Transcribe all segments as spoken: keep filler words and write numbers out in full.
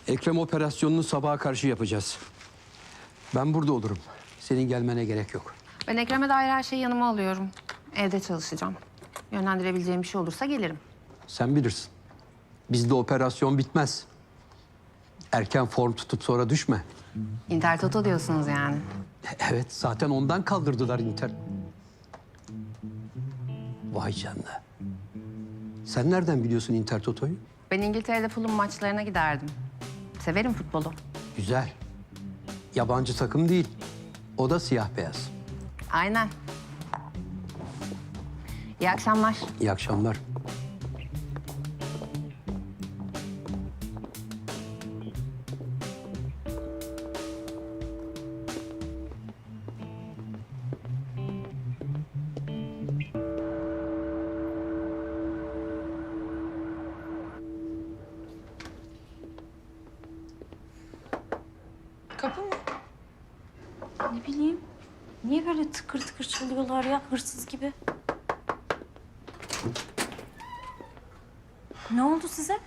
Ekrem operasyonunu sabaha karşı yapacağız. Ben burada olurum. Senin gelmene gerek yok. Ben Ekrem'e dair her şeyi yanıma alıyorum. Evde çalışacağım. Yönlendirebileceğim bir şey olursa gelirim. Sen bilirsin. Bizde operasyon bitmez. Erken form tutup sonra düşme. Inter Toto diyorsunuz yani. Evet, zaten ondan kaldırdılar Inter. Vay canına. Sen nereden biliyorsun Inter Toto'yu? Ben İngiltere'de Fulham maçlarına giderdim. Severim futbolu. Güzel. Yabancı takım değil. O da siyah beyaz. Aynen. İyi akşamlar. İyi akşamlar. Kapı mı? Ne bileyim. Niye böyle tıkır tıkır çalıyorlar ya hırsız gibi? Ne oldu size?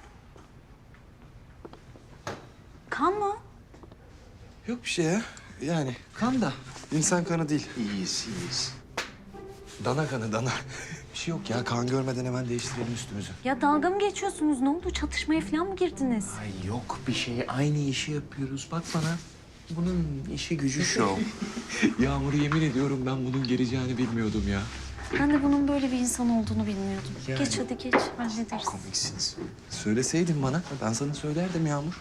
Kan mı? Yok bir şey ya. Yani kan da insan kanı değil. İyiyiz, iyiyiz. Dana kanı, dana. Bir şey yok ya. Kan görmeden hemen değiştirelim üstümüzü. Ya dalga mı geçiyorsunuz? Ne oldu? Çatışmaya falan mı girdiniz? Ay yok bir şey. Aynı işi yapıyoruz. Bak bana. Bunun işi gücü şov. Yağmur yemin ediyorum ben bunun geleceğini bilmiyordum ya. Ben de bunun böyle bir insan olduğunu bilmiyordum. Yani. Geç hadi geç. Hallederiz. Komiksiniz. Söyleseydin bana. Ben sana söylerdim Yağmur.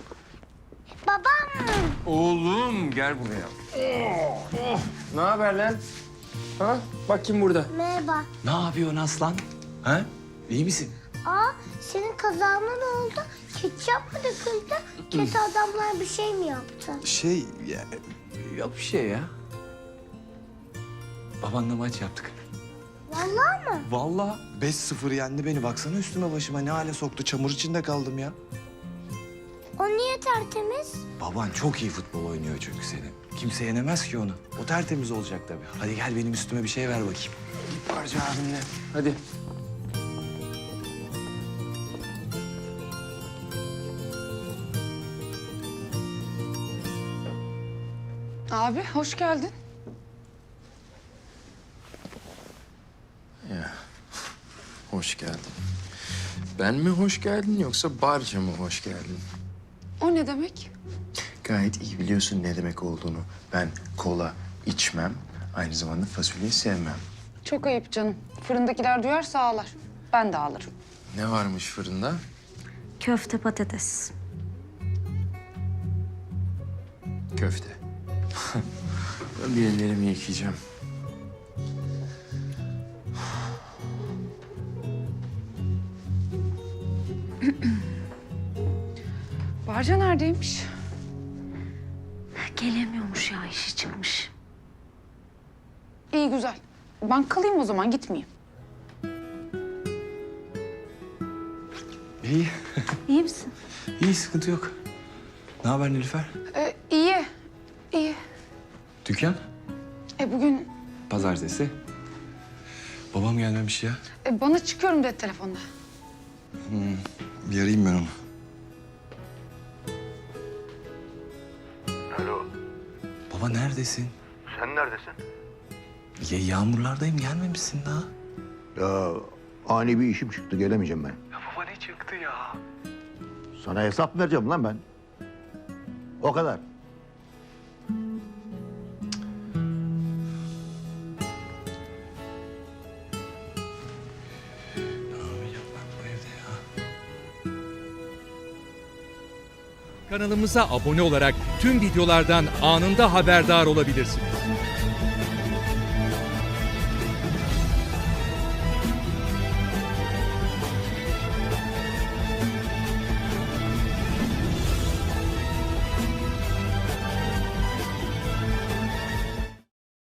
Oğlum gel buraya. Oh, oh. Ne haber lan? Ha? Bak kim burada? Merhaba. Ne yapıyorsun aslan? Ha? İyi misin? Aa, senin kazağına ne oldu? Ketçap mı döküldü? Kötü adamlar bir şey mi yaptı? Şey, ya, yok bir şey ya. Babanla maç yaptık. Vallahi mı? Vallahi beş sıfır yendi beni. Baksana üstüme başıma ne hale soktu. Çamur içinde kaldım ya. O niye tertemiz? Baban çok iyi futbol oynuyor çünkü senin. Kimse yenemez ki onu. O tertemiz olacak tabii. Hadi gel benim üstüme bir şey ver bakayım. Bir parça abinle. Hadi. Abi hoş geldin. Ya. Hoş geldin. Ben mi hoş geldin yoksa barca mı hoş geldin? O ne demek? Gayet iyi biliyorsun ne demek olduğunu. Ben kola içmem, aynı zamanda fasulyeyi sevmem. Çok ayıp canım. Fırındakiler duyarsa ağlar. Ben de ağlarım. Ne varmış fırında? Köfte patates. Köfte. Ben bir ellerimi yıkayacağım. Barca neredeymiş? Gelemiyormuş ya işi çıkmış. İyi güzel. Ben kalayım o zaman gitmeyeyim. İyi. İyi misin? İyi, sıkıntı yok. Ne haber Nilüfer? Ee, iyi. İyi. Dükkan? E bugün Pazartesi. Babam gelmemiş ya. e, bana çıkıyorum dedi telefonda. Bir arayayım ben onu. Alo, Baba neredesin? sen neredesin? Ya yağmurlardayım, gelmemişsin daha. Ya ani bir işim çıktı, gelemeyeceğim ben. Ya baba ne çıktı ya? Sana hesap vereceğim lan ben. O kadar. Ne yapacağım ben bu evde ya? Kanalımıza abone olarak tüm videolardan anında haberdar olabilirsiniz.